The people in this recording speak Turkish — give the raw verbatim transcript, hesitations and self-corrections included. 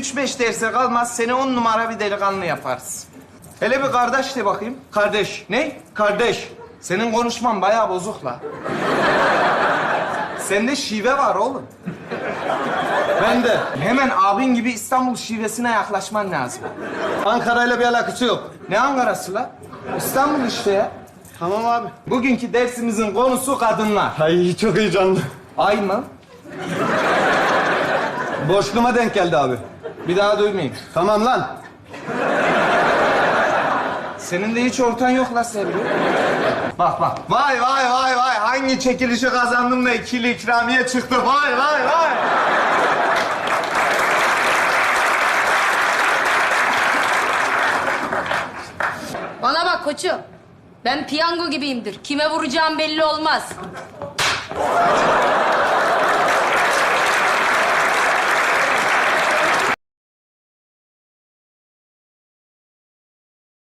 üç beş derse kalmaz, seni on numara bir delikanlı yaparız. Hele bir kardeş de bakayım. Kardeş. Ne? Kardeş. Senin konuşman bayağı bozuk la. Sende şive var oğlum. Ben de. Hemen abin gibi İstanbul şivesine yaklaşman lazım. Ankara'yla bir alakası yok. Ne Ankara'sı la? İstanbul işte ya. Tamam abi. Bugünkü dersimizin konusu kadınlar. Ay çok heyecanlı. Ay mı? Boşluğuma denk geldi abi. Bir daha duymayayım. Tamam lan. Senin de hiç ortan yok la Sevgi. Bak bak. Vay vay vay vay. Hangi çekilişi kazandım da ikili ikramiye çıktı. Vay vay vay. Bana bak koçum. Ben piyango gibiyimdir. Kime vuracağım belli olmaz.